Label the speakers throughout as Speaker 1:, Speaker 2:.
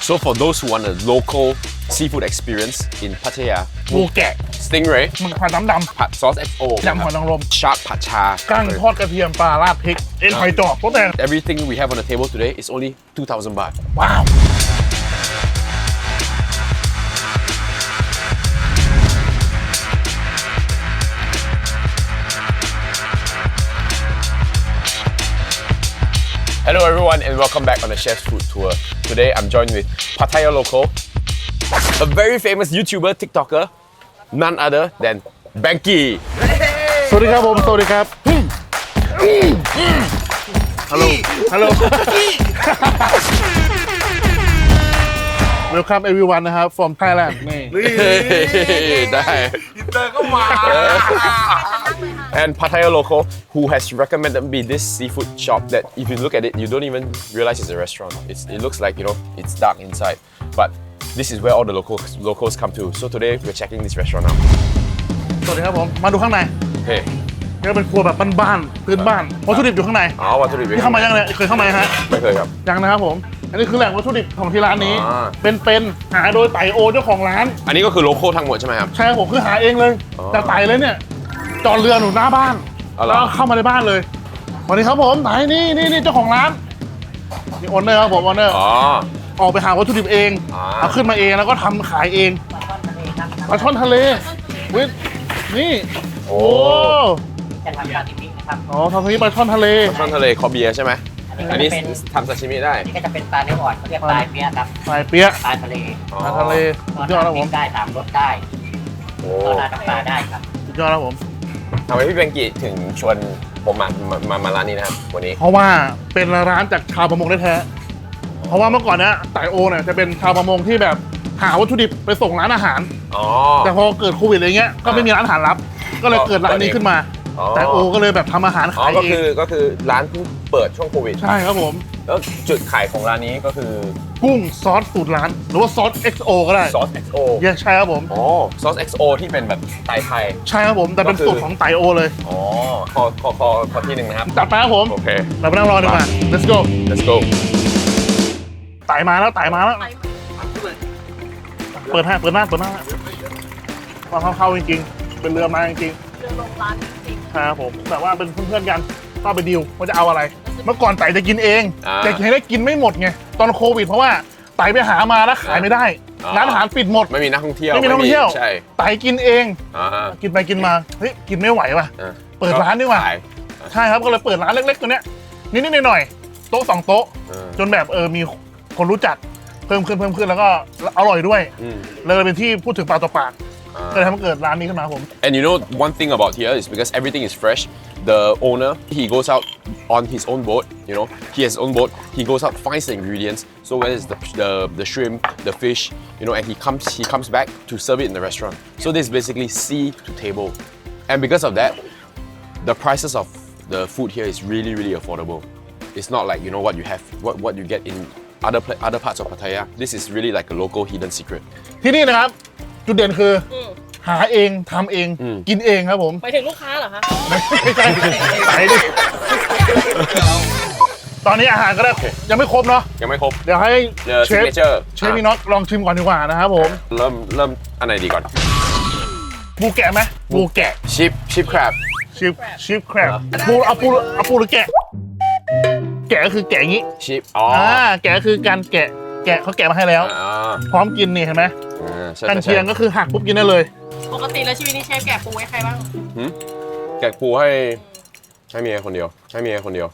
Speaker 1: So for those who want a local seafood experience in Pattaya,
Speaker 2: ปูแกะ
Speaker 1: stingray,
Speaker 2: หมึกผัดน้ำด
Speaker 1: ผัดซอส XO,
Speaker 2: ำยำหอยนางรม
Speaker 1: shark ผัดชา
Speaker 2: กั้งทอดกระเทียมปลาราดพริกเอ็นหอยจอบโต๊ะแดง
Speaker 1: Everything we have on the table today is only 2,000 baht.
Speaker 2: ว้าว
Speaker 1: Hello everyone and welcome back on the Chef's Food Tour. Today I'm joined with Pattaya Local, a very famous YouTuber, TikToker, none other than Banky.
Speaker 2: สวัสดีครับผมสวัสดีครับฮัลโหลฮัลโหล Welcome everyone นะครับ from Thailand นี่
Speaker 1: ได้ And Pattaya Local, who has recommended me this seafood shop that if you look at it, you don't even realize it's a restaurant. It looks like, you know, it's dark inside. But this is where all the locals come to. So today we're checking this restaurant out.
Speaker 2: สวัสดีครับผมมาดูข้างใน
Speaker 1: Okay.
Speaker 2: นี่ก็เป็นครัวแบบบ้านๆพื้นบ้านวัตถุดิบอยู่ข้างใน
Speaker 1: อ๋อวัตถุดิบ
Speaker 2: ที่เข้ามายังเนี่ยเคยเข้ามาฮะ
Speaker 1: ไม่เคยครับ
Speaker 2: ยังนะครับผมอันนี้คือแหล่งวัตถุดิบของที่ร้านนี้
Speaker 1: อ่า
Speaker 2: เป็นหาโดยไต่โอเจ้าของร้าน
Speaker 1: อันนี้ก็คือโลคอลทั้งหมดใช่ไหมครับ
Speaker 2: ใช่ครับผมคือหาเองเลย
Speaker 1: อ๋อ
Speaker 2: จากไต่เลยเนี่ยจอดเรือหนูหน้าบ้าน
Speaker 1: อ๋อเหรอ
Speaker 2: แล้วเข้ามาในบ้านเลยสวัสดีครับผมไหนนี่เจ้าของร้านนี่โอนเนอร์ครับผมโอนเนอร์
Speaker 1: อ๋อ
Speaker 2: ออกไปหาวัตถุดิบเอง
Speaker 1: อ่า
Speaker 2: เอาขึ้นมาเองแล้วก็ทำขายเองปลาช่อนทะเลวินี่โอ้
Speaker 3: จะทำซาซิมินะครับ
Speaker 2: อ๋อทำทีปลาช่อนทะเล
Speaker 1: ช่อนทะเลคอเบียร์ใช่ไหมอันนี้ทำซาชิมิได้
Speaker 3: นี่ก็จะเป็นปลาเนื้ออ่อนเขาเรียกปลาเปี้ยครับ
Speaker 2: ปลายเปี้ยะ
Speaker 3: ปลาทะเล
Speaker 1: อ๋อ
Speaker 2: ปลาทะเลสุดยอดครับผม
Speaker 3: ได้สามรสได้
Speaker 1: โอ้
Speaker 3: โซดาน้ำปลาได้ครับ
Speaker 2: สุดยอดครับผม
Speaker 1: ทำไมพี่เบงกี้ถึงชวนผมมาร้านนี้นะครับวันนี้
Speaker 2: เพราะว่าเป็นร้านจากชาวประมงแท้ๆเพราะว่าเมื่อก่อนเนี่ยไต่โอเนี่ยจะเป็นชาวประมงที่แบบหาวัตถุดิบไปส่งร้านอาหาร
Speaker 1: อ๋อ
Speaker 2: แต่พอเกิดโควิดอะไรเงี้ยก็ไม่มีร้านอาหารรับ ก็เลยเกิดร้านนี้ขึ้นมา
Speaker 1: อ๋อ
Speaker 2: ไต่โอก็เลยแบบทำอาหาร
Speaker 1: อ๋อ
Speaker 2: ขาย
Speaker 1: ก็
Speaker 2: เอ
Speaker 1: คื
Speaker 2: ง
Speaker 1: อก็คือร้านเพิ่งเปิดช่วงโควิด
Speaker 2: ใช่ครับผม
Speaker 1: แล้วจุดขายของร้านนี้ก็คือ
Speaker 2: กุ้งซอสสูตรร้าน หรือว่าซอส XO ก็ได้
Speaker 1: ซอส XO
Speaker 2: ใช่ครับผม
Speaker 1: อ๋อซอส XO ที่เป็นแบบไทยไทย
Speaker 2: ใช่ครับผมแต่เป็นสูตรของไต่โอเลย
Speaker 1: อ๋อขอที่หนึ่งนะครับ
Speaker 2: จัดไปครับผม
Speaker 1: โอเค
Speaker 2: เราไปนั่งรอดีกว่า let's go
Speaker 1: let's go
Speaker 2: ไต่มาแล้วเปิดหน้าว่าเข้าจริงๆเป็นเรือมาจริงๆ
Speaker 4: เรือลงร้านจริง
Speaker 2: ครับผมแต่ว่าเป็นเพื่อนๆกันก็ไปดีลว่าจะเอาอะไร เมื่อก่อนไต่จะกินเอง
Speaker 1: อ่า
Speaker 2: แต่ให้ได้กินไม่หมดไงตอนโควิดเพราะว่าไต่ไปหามาแล้วขายไม่ได้
Speaker 1: อ่า
Speaker 2: ร้านอาหารปิดหมด
Speaker 1: ไม่มีนักท่องเที่ยว
Speaker 2: ไม่มีนักท่องเที่ยว
Speaker 1: ใช่
Speaker 2: ไต่กินเอง
Speaker 1: อ่า
Speaker 2: กินไปกินมาเฮ้ยกินไม่ไหวว่ะ
Speaker 1: อ่า
Speaker 2: เปิดร้านดีกว่า
Speaker 1: ขย
Speaker 2: ใช่ครับก็เลยเปิดร้านเล็กๆตัวเนี้ยนิดๆหน่อยๆโต๊ะ2 โต๊ะ
Speaker 1: อ่า
Speaker 2: จนแบบมีคนรู้จักเพิ่มขึ้นแล้วก็อร่อยด้วย
Speaker 1: อืม
Speaker 2: เลยเป็นที่พูดถึงปากต่อปากก็เลยทำให้เกิดร้านนี้ขึ้นมาครับผม
Speaker 1: And you know one thing about here is because everything is fresh. The owner he goes out on his own boat. You know he has his own boat. He goes out finds the ingredients. So whether it's the shrimp, the fish, you know, and he comes back to serve it in the restaurant. So this is basically sea to table. And because of that, the prices of the food here is really affordable. It's not like you know what you have, what you get in other parts of Pattaya. This is really like a local hidden secret.
Speaker 2: ที่นี่นะครับ จุดเด่นคือหาเองทำเอง กินเองครับผม
Speaker 4: ๆไปถึงลูกค้าเหรอคะ
Speaker 2: ไม่ใช่ไปดิตอนนี้อาหารก็ได้ยังไม่ครบเนาะ
Speaker 1: ยังไม่ครบ
Speaker 2: เดี๋ยวให้
Speaker 1: The
Speaker 2: เชฟ
Speaker 1: signature
Speaker 2: พี่น็อตลองชิมก่อนดีกว่านะครับผม
Speaker 1: เริ่มอันไหนดีก่อน
Speaker 2: ปูแกะไหมปูแกะ
Speaker 1: ชิปครบ
Speaker 2: ชิปแครบเอาปูหรือแกะ แกะก็คือแกะอย่างนี้
Speaker 1: ชิปอ๋อ
Speaker 2: แกะก็คือการแกะเขาแกะมาให้แล้ว
Speaker 1: อ่า
Speaker 2: พร้อมกินนี่เห็นไหม
Speaker 1: ใช่
Speaker 2: กันเชียงก็คือหักปุ๊บกินได้เลย
Speaker 4: ปกติแล้วชีวิตนี้เชฟแกะปูให้ใครบ้าง
Speaker 1: แกะปูให้เมียคนเดียวให้เมียคนเดียว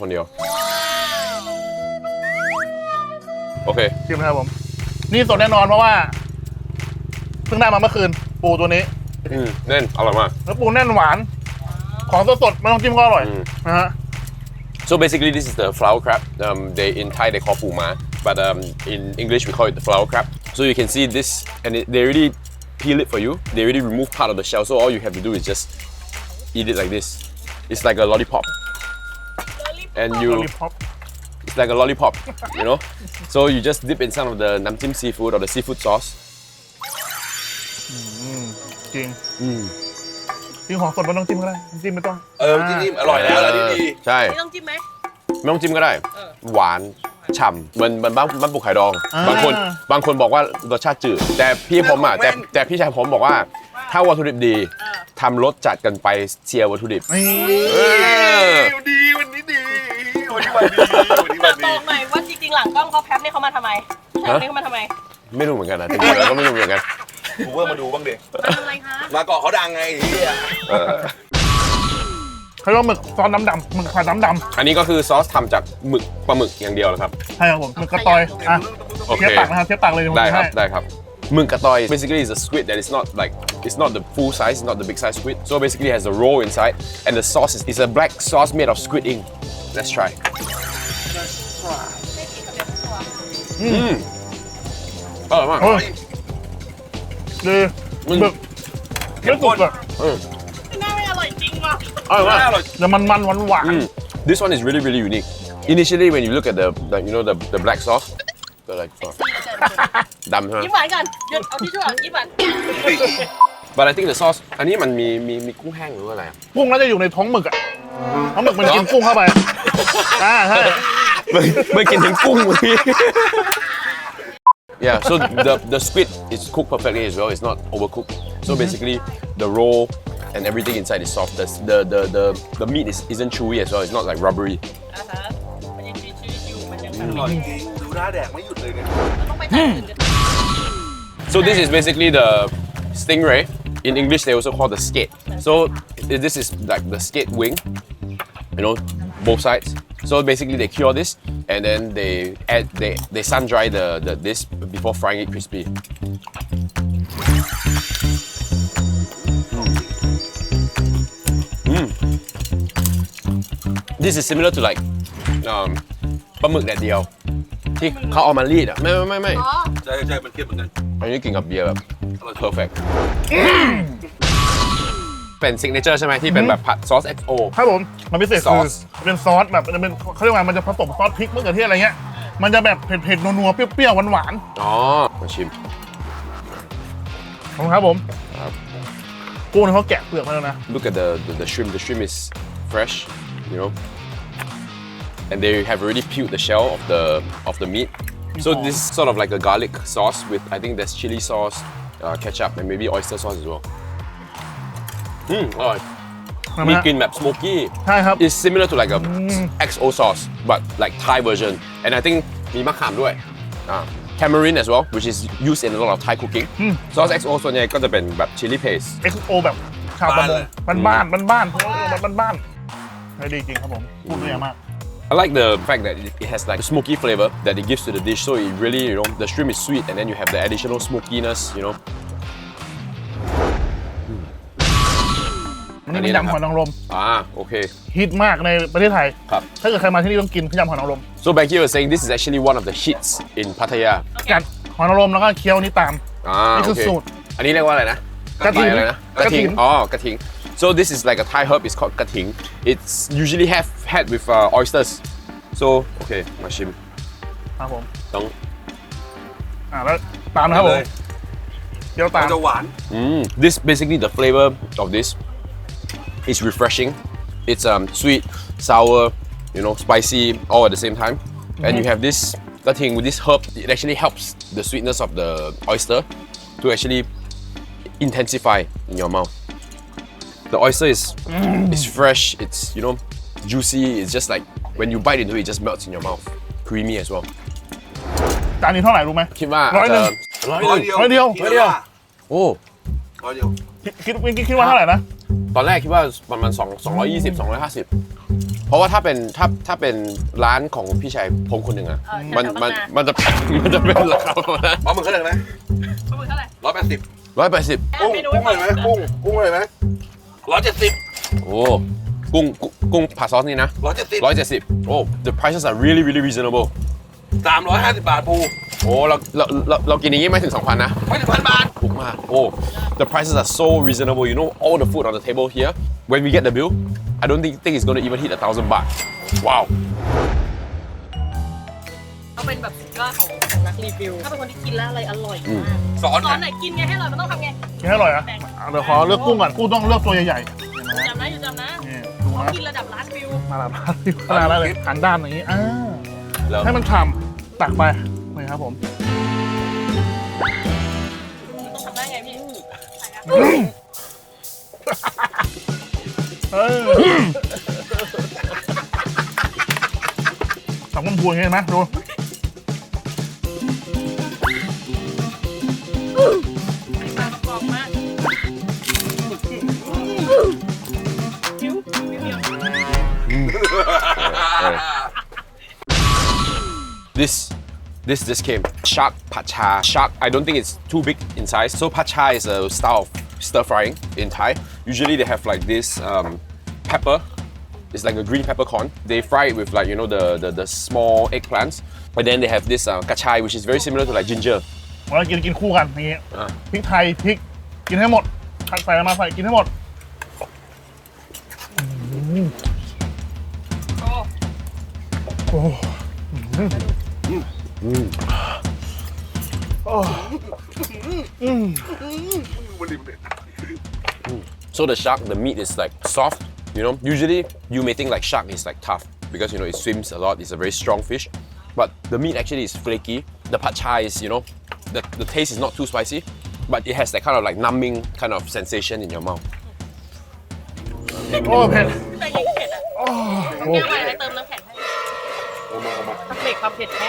Speaker 1: โอเค
Speaker 2: ชิมนะครับผม นี่สดแน่นอนเพราะว่าเพิ่งได้มาเมื่อคืน ปูตัวนี้
Speaker 1: แน่นอร่อยมาก
Speaker 2: แล้วปูแน่นหวาน ของสดๆไม่ต้องจิ้มก็อร่อยนะฮะ
Speaker 1: So basically this is the flower crab. They in Thai they call pu ma, but in English we call it the flower crab. So you can see this, and they already peel it for you. They already remove part of the shell. So all you have to do is just eat it like this. It's like a lollipop, and
Speaker 2: Lollipop
Speaker 1: it's like a lollipop, you know. So you just dip in some of the namtim seafood or the seafood sauce.
Speaker 2: จริงจริงของสดไม่ต้องจิ้มก็ได้จิ้มไม่ต้อง
Speaker 1: จริงๆอร่อยแล้วดี ใช่
Speaker 4: ไม่ต้องจิ้มไหม
Speaker 1: ไม่ต้องจิ้มก็ได้ หวานฉ่ำเหมันบ้านปูไข่ดอง บางคนบอกว่ารสชาติจืด แต่พี่ผมอ่ะแต่พี่ชายผมบอกว่าถ้าวัตถุดิบดีทำรสจัดกันไปเชียร์วัตถุดิบ
Speaker 2: นี่
Speaker 5: ดีวันนี้ดีวันนี้วันดีวันนี้วัน
Speaker 4: ต
Speaker 5: ดี
Speaker 4: รงหน่อยว่าจริงๆหลังกล้องเขาแพ็คนี่เขามาทำไมใช่นี่เขามาทำไม
Speaker 1: ไม่รู้เหมือนกันนะจริงๆแล้วก็ไม่รู้เหมือนกัน
Speaker 5: กูว่ามาดูบ้างดิ
Speaker 4: มาทำอะไรคะ
Speaker 5: มาเกาะเขาดังไงไอ้เหี้ย
Speaker 1: เออ
Speaker 2: เขาเรียกว่าหมึกซอสน้ำดำหมึกผัดน้ำด
Speaker 1: อันนี้ก็คือซอสทำจากปลาหมึกอย่างเดียวนะครับ
Speaker 2: ำใช่ครับผมหมึกกระตอยอ่ะ
Speaker 1: โอเค
Speaker 2: เทียบตักนะครับเทียบตักเลยผม
Speaker 1: ได้
Speaker 2: จะ
Speaker 1: ครับ
Speaker 2: ให้
Speaker 1: ได้ครับหมึกกระตอย basically is a squid that is not like it's not the full size it's not the big size squid so basically it has a roll inside and the sauce is a black sauce made of squid ink let's try อร่อยมาก
Speaker 2: โอ้ยดีหมึกเยอะสุดเลย
Speaker 4: หน้าไม่อร่อยจริงว่ะ
Speaker 1: อร่อยมาก
Speaker 2: แล้วมันหวาน
Speaker 1: This one is really really unique initially when you look at the you know the black sauce they're like ดำใช่ไหม
Speaker 4: ยิ้มหวานกันหยุดเอาที่ช่วยยิ้มหวาน
Speaker 1: but I think the sauce อันนี้มันมีกุ้งแห้งหรืออะไรอ่ะ
Speaker 2: ๆกุ้งน่าจะอยู่ในท้องหมึกอ่ะท้องหมึกมันกินกุ้งเข้าไปใช่
Speaker 1: ไม่กินถึงกุ้งเลย Yeah, so the squid is cooked perfectly as well. It's not overcooked. So basically, the roll and everything inside is soft. The meat isn't chewy as well. It's not like rubbery.
Speaker 4: อ่าฮะมันยังมีชีวิตอยู่มันยัง
Speaker 5: อร่อยจริงดูหน้าแดกไม่หยุดเลยเนี่ย
Speaker 4: ต้องไปทางอื่นกัน
Speaker 1: So this is basically the stingray. In English, they also call the skate. So this is like the skate wing. You know, both sides. So basically, they cure this and then they sun dry this before frying it crispy. This is similar to like ปลาหมึกแดดเดียวที่เขาเอามารีดอ่ะไม่
Speaker 4: อ๋อ
Speaker 5: ใช่ใช่มันเค็มเหมือนกัน
Speaker 1: อันนี้กินกับเบียร์แบบ perfect เป็นซิกเนเจอร์ใช่ไหมที่เป็นแบบผัดซอส XO
Speaker 2: ครับผมมันพิเศษ
Speaker 1: ซ
Speaker 2: คือ
Speaker 1: อส
Speaker 2: เป็นซอสแบบมันจะเป็นเขาเรียกว่ามันจะผสมซอสพริกมะเขือเทศอะไรเงี้ยมันจะแบบเผ็ดๆนัวๆเปรี้ยวๆหวาน
Speaker 1: อ๋อมาชิม
Speaker 2: ๆขอบคุณครับผม
Speaker 1: ครับ
Speaker 2: กุ้งเนี่ยเขาแกะเปลือกมาแล้วนะ
Speaker 1: Look at the shrimp. The shrimp is fresh, you know, and they have already peeled the shell of the meat. So this is sort of like a garlic sauce with I think there's chili sauce, ketchup, and maybe oyster sauce as well. อร่อย
Speaker 2: ทำไม
Speaker 1: มี
Speaker 2: ฮะ
Speaker 1: กลิ่นแบบ smoky.
Speaker 2: ใช่ครับ
Speaker 1: It's similar to like a XO sauce, but like Thai version. And I think มีมะขามด้วย tamarind as well, which is used in a lot of Thai cooking. Sauce XO ส่วนใหญ่ก็จะเป็นแบบ chili paste.
Speaker 2: XO แบบชาวประมงบ้านๆบ้านๆเขาเรียกว่าบ้านๆให้ดีจริงครับผมพูดด้วยมาก
Speaker 1: I like the fact that it has like smoky flavor that it gives to the dish. So it really, you know, the shrimp is sweet and then you have the additional smokiness, you know.
Speaker 2: อันนี้เป็นยำหอยนางรม
Speaker 1: Okay.
Speaker 2: ฮิตมากในประเทศไทย
Speaker 1: ครับ
Speaker 2: ถ้าเกิดใครมาที่นี่ต้องกินยำหอยนางรม
Speaker 1: So Becky was saying this is actually one of the hits in Pattaya.
Speaker 2: กัดหอยนางรมแล้วก็เคี้ยวนี่ตาม นี่คือ
Speaker 1: Okay.
Speaker 2: สูตร
Speaker 1: อันนี้เรียกว่าอะไรนะ
Speaker 2: กระถิ่น
Speaker 1: อะไรนะ
Speaker 2: กระถิ่น
Speaker 1: อ๋อกระถิ่น So this is like a Thai herb. It's called กระถิ่น It's usually had with oysters. So okay, มาชิม
Speaker 2: ครับผม
Speaker 1: ต้อง
Speaker 2: แล้วตามนะครับผม
Speaker 5: เลย
Speaker 2: เคี้ยวตา
Speaker 5: มั
Speaker 2: ม
Speaker 5: นจะหวาน
Speaker 1: This basically the flavor of this is refreshing. It's sweet, sour, you know, spicy all at the same time. And you have this thing with this herb. It actually helps the sweetness of the oyster to actually intensify in your mouth. The oyster is fresh. It's you know juicy. It's just like when you bite into it, it just melts in your mouth. Creamy as well.
Speaker 2: จานนี้เท่าไหร่รู้ไหม
Speaker 1: คิดว่า
Speaker 2: ร้อยหนึ่ง
Speaker 5: ร้อยเดียว
Speaker 2: ร้อยเดียว
Speaker 5: ร้อยเดียว
Speaker 1: โอ้
Speaker 5: ร้อยเดียว
Speaker 2: คิดว่าเท่าไหร่นะ
Speaker 1: ตอนแรกคิดว่าประมาณ220 250 เพราะว่าถ้าเป็นร้านของพี่ชายผมคนหนึ่งอะมันจะเป็นราคาประมาณนั้น
Speaker 5: เอามึงเท่าไหร่ไหม
Speaker 4: ปลาหมึกเท่าไหร่
Speaker 5: 180
Speaker 1: 180
Speaker 5: กุ้งกุ้งเลยไหมกุ้งเลยไหม170
Speaker 1: โอ้กุ้งผัดซอสนี่นะ 170โอ้ the prices are really really reasonable
Speaker 5: 350 บาทปู
Speaker 1: โอ้เรากินอย่างนี้ไม่ถึง 2,000 นะ
Speaker 5: ไม่ถึง1,000 บาท
Speaker 1: ถูกมากโอ้ the prices are so reasonable you know all the food on the table here when we get the bill I don't think it's going to even hit 1,000 baht wow
Speaker 4: เขาเป็นแบบสุดยอดของนักรีวิว ถ้าเป็นคนที่กินแล้วอะไรอร่อยมาก
Speaker 5: สอน
Speaker 4: สอนไหนกินไงให้อร่อยมันต้องทำไง
Speaker 2: กินให้อร่อยอ่ะเดี๋ยวขอเลือกกุ้งก่อนกุ้งต้องเลือกตัวใหญ่ๆ
Speaker 4: จำนะ
Speaker 2: นี่ดู
Speaker 4: เขา
Speaker 2: นะ
Speaker 4: กินระดับล้านวิว
Speaker 2: มาละขนาดนั้นเลยหันด้านอย่างนี้
Speaker 1: แล้ว
Speaker 2: ให้มันฉ่ำตักไปนี่ครับผม
Speaker 4: ต้องทำได้ไงพี่
Speaker 2: ตักมันพวงเห็นไหมดู
Speaker 4: ปลากระป๋องมากคิ้วเดียว
Speaker 1: This came shark pad cha. Shark, I don't think it's too big in size. So pad cha is a style of stir frying in Thai. Usually they have like this pepper. It's like a green peppercorn. They fry it with like the small eggplants. And then they have this kachai, which is very similar to like ginger.
Speaker 2: เรากินคู่กันอย่างงี้พริกไทยพริกกินให้หมดใส่มาใส่กินให้หมด
Speaker 4: โอ้
Speaker 1: So the shark, the meat is like soft. Usually you may think like shark is like tough because it swims a lot. It's a very strong fish, but the meat actually is flaky. The pad chai is the taste is not too spicy, but it has that kind of like numbing kind of sensation in your mouth.
Speaker 2: โอ้เผ็ด
Speaker 4: แต่ยังเผ็ดอ่ะต้องแก้วอะไรให้เติมน้ำแข็งให้
Speaker 5: เอามา
Speaker 4: เบรกความเผ็ดแค่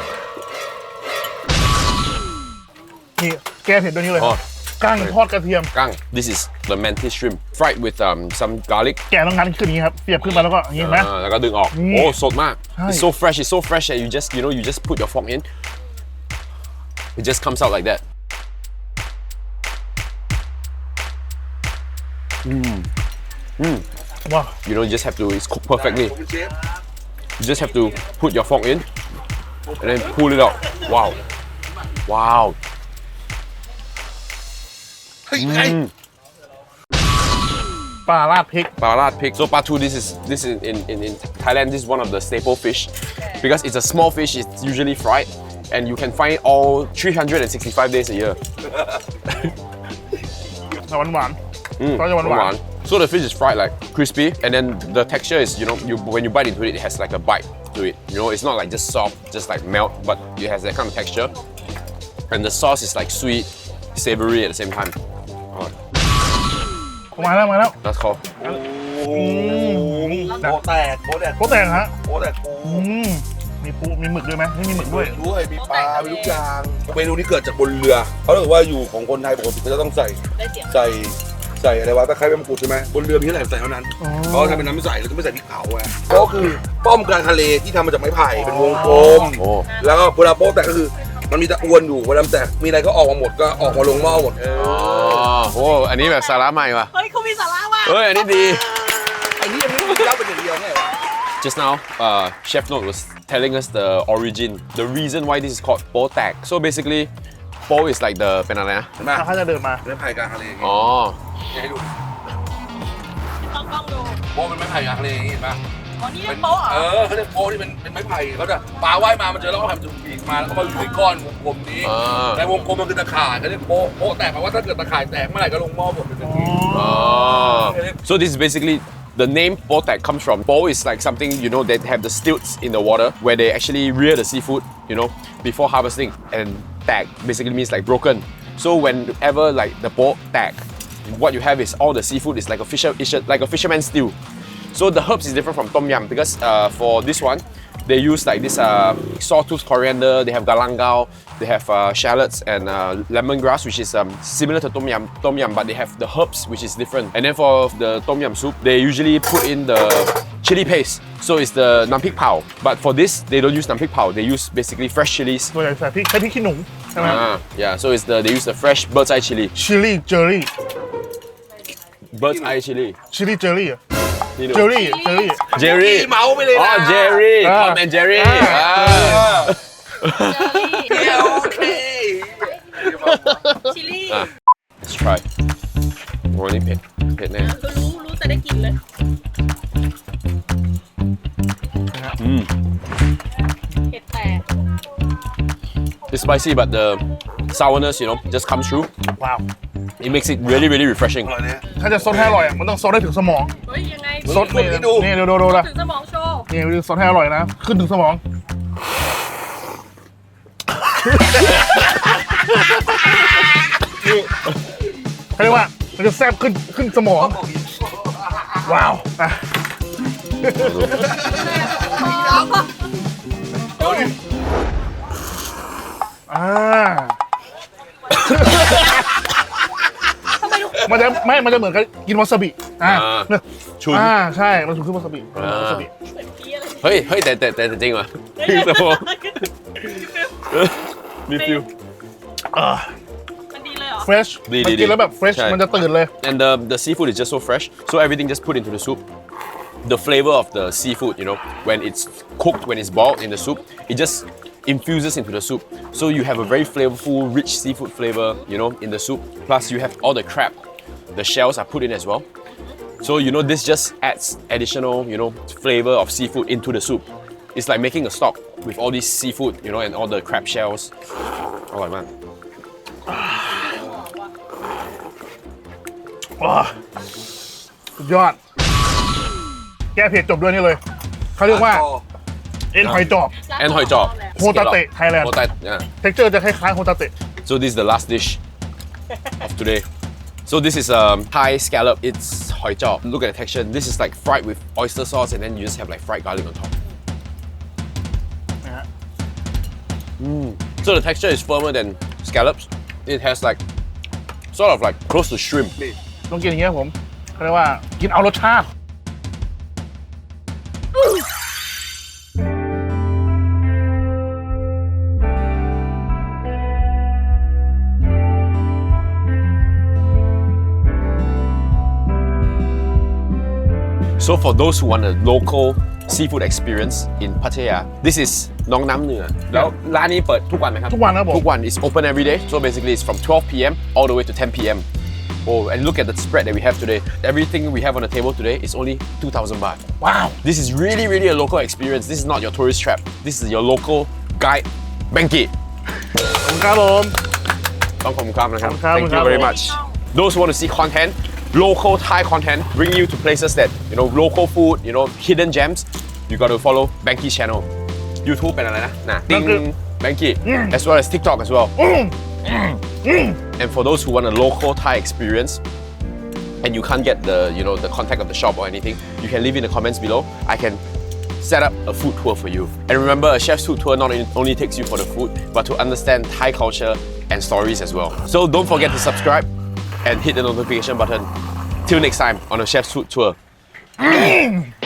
Speaker 2: นี่แก้เผ็ดด้วยนี่เลย
Speaker 1: อ๋อ
Speaker 2: กั้งทอดกระเทียม
Speaker 1: Gang, this is the mantis shrimp fried with some garlic.
Speaker 2: แกะต้องงั้นขึ้นอย่างนี้ครับเสียบขึ้นมาแล้วก็อย่างนี้เห็นไหม
Speaker 1: แล้วก็ดึงออก
Speaker 2: นี่
Speaker 1: โอ้สดมาก
Speaker 2: ใช่
Speaker 1: It's so fresh that you just put your fork in. It just comes out like that.
Speaker 2: Wow.
Speaker 1: You just have to, it's cooked perfectly.
Speaker 5: ผมเป็นเชฟ
Speaker 1: You just have to put your fork in and then pull it out. Wow. Wow.
Speaker 5: เฮ้ยไง
Speaker 2: ปลาราดพริก
Speaker 1: Barat pig. So patu, this is in Thailand. This is one of the staple fish because it's a small fish. It's usually fried, and you can find it all 365 days a year.
Speaker 2: หวานหวาน ก็จะหวานหวาน
Speaker 1: So the fish is fried like crispy, and then the texture is when you bite into it, it has like a bite to it. It's not like just soft, just like melt, but it has that kind of texture. And the sauce is like sweet, savory at the same time. Oh,
Speaker 2: มาแล้วมาแล้ว
Speaker 1: that's called.
Speaker 5: โป๊ะแตกโป๊ะแตก
Speaker 2: โป๊ะแตกฮะ
Speaker 5: โป๊ะแตกปู
Speaker 2: มีปูมีหมึกด้วยไหมไม่มีหมึกด้วย
Speaker 5: ด้วยมีปลามีทุกอย่างเมนูนี้เกิดจากบนเรือเขาบอกว่าอยู่ของคนไทยปกติก็จะต้องใส่
Speaker 4: ได้เสียง
Speaker 5: ใส่อะไรวะตะไคร้ใบมะกรูดใช่ไหมบนเรือมีเท่าไหร่ใส่เท่านั้น
Speaker 2: อ๋อ
Speaker 5: เพราะทำเป็นน้ำใสแล้วก็ไม่ใส่พริกเผาไงก็คือป้อมกลางทะเลที่ทำมาจากไม้ไผ่เป็นวงกลม
Speaker 1: โอ้
Speaker 5: แล้วก็เวลาโป๊ะแตกก็คือมันมีตะอวนอยู่เวลาแตกมีอะไรก็ออกมาหมดก็ออกมาลงหม้อหมด
Speaker 1: อ๋อโหอันนี้แบบสาระใหม่ว่ะ
Speaker 4: เฮ้ยเขามีสาระว่ะ
Speaker 1: เฮ้ยอันนี้ดี
Speaker 5: อันนี้ไม่ได้เล่าเป็นอย่างเดียวไงวะ
Speaker 1: Just now, Chef Note was telling us the origin, the reason why this is called po tak. So basically, po is like the เป็นอะไรนะ
Speaker 5: เห็นไหม
Speaker 2: ถ้าจะเดินมา
Speaker 5: ไม้ไผ่กลางทะเลอย่างงี้
Speaker 1: อ๋อ
Speaker 5: ให้ดู
Speaker 4: ต้องกล้องดู
Speaker 5: โป๊ะเป็นไม้ไผ่กลางทะเลอย่างงี้เห็นปะ
Speaker 4: อ๋อนี่เป็นโป๊ะเหรอ
Speaker 5: เขาเรียกโป๊ะที่เป็นไม้ไผ่เขาจะปลาว่ายมามันเจอแล้วก็ทำจุดปีกมาแล้วก็มาอยู่ในก้อนวงกลมนี้
Speaker 1: อ่า
Speaker 5: ในวงกลมมันคือตะข่ายเขาเรียกโป๊ะแตกแปลว่าถ้าเกิดตะข่ายแตกเมื่อไหร่ก็ลงหม้อหมดเป็นแบบนี้
Speaker 1: Oh. So this is basically the name po tak comes from. Po is like something they have the stilts in the water where they actually rear the seafood, before harvesting, and tak basically means like broken. So whenever like the po tak, what you have is all the seafood is like a fisherman's stew. So the herbs is different from tom yum because for this one, they use like this sawtooth coriander, they have galangao, they have shallots and lemongrass, which is similar to tom yum, but they have the herbs, which is different. And then for the tom yum soup, they usually put in the chili paste. So it's the nam pik pao. But for this, they don't use nam pik pao. They use basically fresh chilies.
Speaker 2: ตัวใหญ่ใส่พริกใช้พริกขี้หนูใช่ไหม
Speaker 1: Yeah. So they use the fresh bird's eye chili.
Speaker 2: ชิลลี่เจอรี่
Speaker 1: Bird's eye chili.
Speaker 2: ชิลลี่เจอรี่
Speaker 1: You
Speaker 2: เจอ
Speaker 1: know.
Speaker 2: รี่เจอรี่
Speaker 1: Jerry.
Speaker 5: เมาไปเลยนะ
Speaker 1: Oh, Jerry.
Speaker 2: Ah.
Speaker 1: Tom and Jerry.
Speaker 2: Ah.
Speaker 1: Ah.
Speaker 5: โอเค
Speaker 4: ชิลลี่
Speaker 1: Let's try. โอ้นี่เผ็ดแน่
Speaker 4: รู้แต่ได้กลิ่นเลย เผ็ดแต่
Speaker 1: It's spicy, but the sourness, just comes through.
Speaker 2: ว้าว
Speaker 1: It makes it really, really refreshing.
Speaker 5: อร่อยเนี่ย
Speaker 2: ถ้าจะซดให้อร่อยมันต้องซดให้ถึงสมอง
Speaker 4: เฮ้ยยังไง
Speaker 2: ซดนี่
Speaker 5: ดู
Speaker 2: นี่ดูนะ
Speaker 4: ถึงสมองโชว์
Speaker 2: นี่ซดให้อร่อยนะขึ้นถึงสมองเขาเรียกว่ามันจะแซ่บขึ้นสมอง ว้าวอ่ะอ่า
Speaker 4: ทำไมทุก
Speaker 2: มันจะเหมือนกับกินวาซาบิเนี่ย
Speaker 1: ชุน
Speaker 2: ใช่มันคือวาซาบิวาซาบิ
Speaker 4: เหมือนพี่อะไร
Speaker 1: เฮ้ยแต่จริงว่ะสมองมีฟิล
Speaker 4: มันดีเลยเหรอ
Speaker 2: fresh
Speaker 1: ดี
Speaker 2: มันกินแล้วแบบ fresh
Speaker 1: ใช่
Speaker 2: มันจะตื่นเลย
Speaker 1: and the seafood is just so fresh so everything just put into the soup the flavor of the seafood you know when it's cooked when it's boiled in the soup it just infuses into the soup so you have a very flavorful rich seafood flavor you know in the soup plus you have all the crab the shells are put in as well so you know this just adds additional you know flavor of seafood into the soup it's like making a stock with all this seafood you know and all the crab shells อร่อยมาก
Speaker 2: ว้าสุดยอด แก้เผ็ดจบด้วยนี่เลย เขาเรียกว่า เอ็นหอยจอบ
Speaker 1: แอนหอยจอบ
Speaker 2: โฮตาเตะไทยแลนด์
Speaker 1: โฮตาyeah.
Speaker 2: เท็กเจอร์จะคล้ายๆโฮตาเตะ
Speaker 1: So this is the last dish of today. So this is Thai scallop. It's hoi chop. Look at the texture. This is like fried with oyster sauce, and then you just have like fried garlic on top.
Speaker 2: นะฮะ
Speaker 1: So the texture is firmer than scallops. It has like sort of like close to shrimp.
Speaker 2: ต้องกินอย่างเงี้ยผมเขาเรียกว่ากินเอารสชาติ
Speaker 1: So for those who want a local seafood experience in Pattaya, this is น้องน้ำเหนือแล้วร้านนี้เปิดทุกวันไหมครับ
Speaker 2: ทุกวันครับผม
Speaker 1: ทุกวัน is open every day. So basically it's from 12 p.m. all the way to 10 p.m. Oh, and look at the spread that we have today. Everything we have on the table today is only 2,000 baht.
Speaker 2: ว้าว
Speaker 1: This is really, really a local experience. This is not your tourist trap. This is your local guide, Benki.
Speaker 2: ขอบคุณครับผม
Speaker 1: ต้องขอบคุณครับนะครับ
Speaker 2: ขอบคุณครับ
Speaker 1: Thank you very much. Those who want to see content, local Thai content, bring you to places that, you know, local food, you know, hidden gems, you got to follow Benki's channel. YouTube เป็นอะไรนะ Ting Benki, as well as TikTok as well. And for those who want a local Thai experience, and you can't get the, you know, the contact of the shop or anything, you can leave in the comments below. I can set up a food tour for you. And remember, a chef's food tour not only takes you for the food, but to understand Thai culture and stories as well. So don't forget to subscribe and hit the notification button. Till next time on a chef's food tour.